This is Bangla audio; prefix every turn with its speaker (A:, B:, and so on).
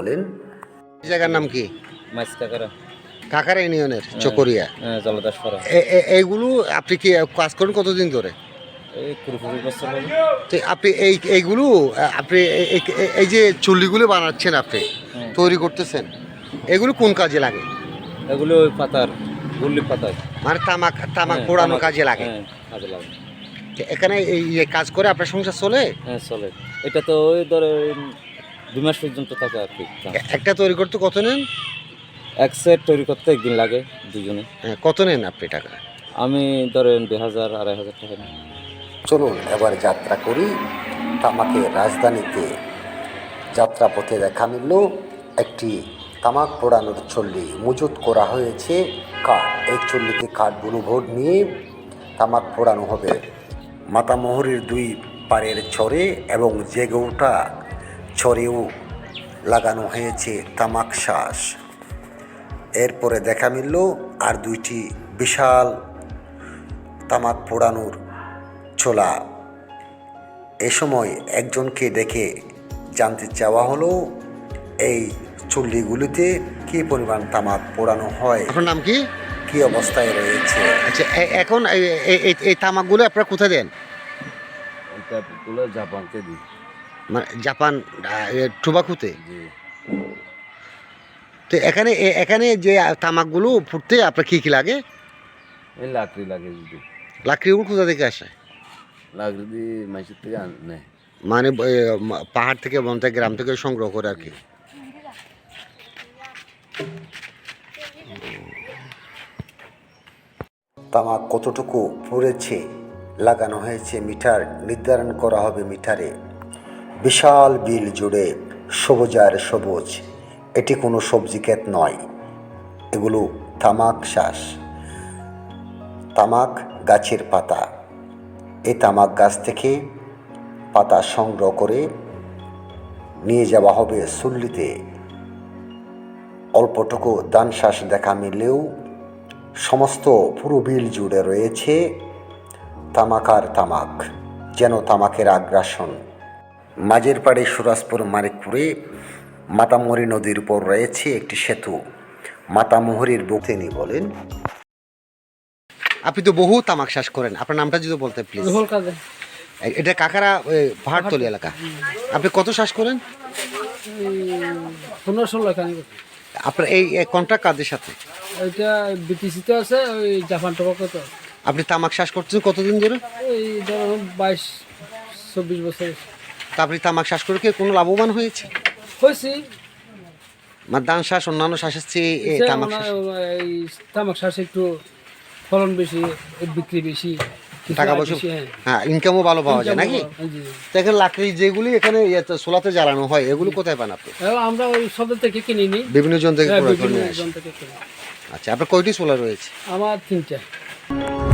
A: বলেন। জায়গার নাম কি?
B: মাইসকাকারা
A: কাকারা ইউনিয়নের চকরিয়া।
B: জলদাসপাড়া।
A: এইগুলো আপনি কি কাজ করেন কতদিন ধরে?
B: এই 20 বছর হলো।
A: তো আপনি এইগুলো আপনি এই যে চুল্লিগুলো বানাচ্ছেন, আপনি তৈরি করতেছেন, এগুলো কোন কাজে লাগে?
B: এগুলো ওই পাতার গুল্লি পাতার
A: মানে তামাক তামাক পোড়ানো কাজে লাগে।
B: কাজে লাগে।
A: তো এখানে এই কাজ করে আপনার সংসার চলে?
B: হ্যাঁ চলে। এটা তো ওই ধরে 2 মাস পর্যন্ত থাকে আর কি।
A: একটা তৈরি করতে কত নেন?
B: এক সেট তৈরি করতে একদিন লাগে দুজনে।
A: কত নেন আপনি টাকা?
B: আমি ধরেন 2000 2500 টাকা নিই।
A: চলুন এবার যাত্রা করি তামাকের রাজধানীতে। যাত্রাপথে দেখা মিলল একটি তামাক পোড়ানোর চল্লি মজুত করা হয়েছে কাঠ। এই চল্লিতে কাঠগুলো ভোট নিয়ে তামাক পোড়ানো হবে। মাতামোহরীর দুই পাড়ের ছড়ে এবং জেগে ওঠা ছড়েও লাগানো হয়েছে তামাক শ্বাস। এরপরে দেখা মিলল আর দুইটি বিশাল তামাক পোড়ানোর ছোলা। এ সময় একজনকে দেখে জানতে চাওয়া হলো এই চুল্লিগুলিতে কী পরিমাণ তামাক পোড়ানো হয়। আপনার নাম কি? কী অবস্থায় রয়েছে? আচ্ছা, এখন এই তামাকগুলো আপনারা কোথায় দেন?
B: এগুলো জাপানকে দিই।
A: মানে জাপান টোবাকুতে? তো এখানে যে তামাকগুলো ফুটতে আপনার কী কী লাগে?
B: এই লাকড়ি লাগে যদি।
A: লাকড়িগুলো কোথা থেকে আসে?
B: লাকড়ি দিয়ে মাইসের থেকে আনে।
A: মানে পাহাড় থেকে, বন থেকে, গ্রাম থেকে সংগ্রহ করে আর কি। তামাক কতটুকু পুড়েছে লাগানো হয়েছে মিটার, নির্ধারণ করা হবে মিটারে। বিশাল বিল জুড়ে সবুজ আর সবুজ। এটি কোনো সবজি ক্ষেত নয়, এগুলো তামাক শ্বাস, তামাক গাছের পাতা। এই তামাক গাছ থেকে পাতা সংগ্রহ করে নিয়ে যাওয়া হবে চুল্লিতে। অল্পটুকু ধান শ্বাস দেখা মিললেও সমস্ত পুরো বিল জুড়ে রয়েছে তামাক আর তামাক, যেন তামাকের আগ্রাসন। মাঝের পাড়ে সুরাজপুর মানিকপুরে মাতামোহরী নদীর উপর রয়েছে একটি সেতু। মাতামোহরীর বুক। তিনি বলেন, আপনি তো বহু তামাক শ্বাস করেন, আপনার নামটা যদি বলতে প্লিজ। এটা কাকারা পাহাড়তলি এলাকা। আপনি কত শ্বাস করেন?
C: 15-16
A: আপনার এই কন্ট্রাক্ট কাদের সাথে?
C: এটা বিটিসিতে আছে, ওই জাপান টোবাকোতে।
A: আপনি তামাক শ্বাস করছেন কতদিন ধরে?
C: এই ধরুন 22-24 বছর।
A: তা আপনি তামাক শ্বাস করে কি কোনো লাভবান হয়েছে?
C: হয়েছি।
A: মানে ধান শ্বাস অন্যান্য শ্বাসের চেয়ে তামাক শ্বাস?
C: এই তামাক শ্বাস একটু ফলন বেশি, বিক্রি বেশি,
A: টাকা পয়সা, হ্যাঁ, ইনকামও ভালো পাওয়া যায় নাকি? দেখেন লাকড়ি যেগুলি এখানে সোলাতে জ্বালানো হয়, এগুলো কোথায় পান আপনি?
C: আমরা ওই সব থেকে কিনে নিই,
A: বিভিন্ন জন থেকে।
C: বিভিন্ন জন থেকে কিনি।
A: আচ্ছা, আপনার কয়টি সোলা রয়েছে?
C: আমার 3টা।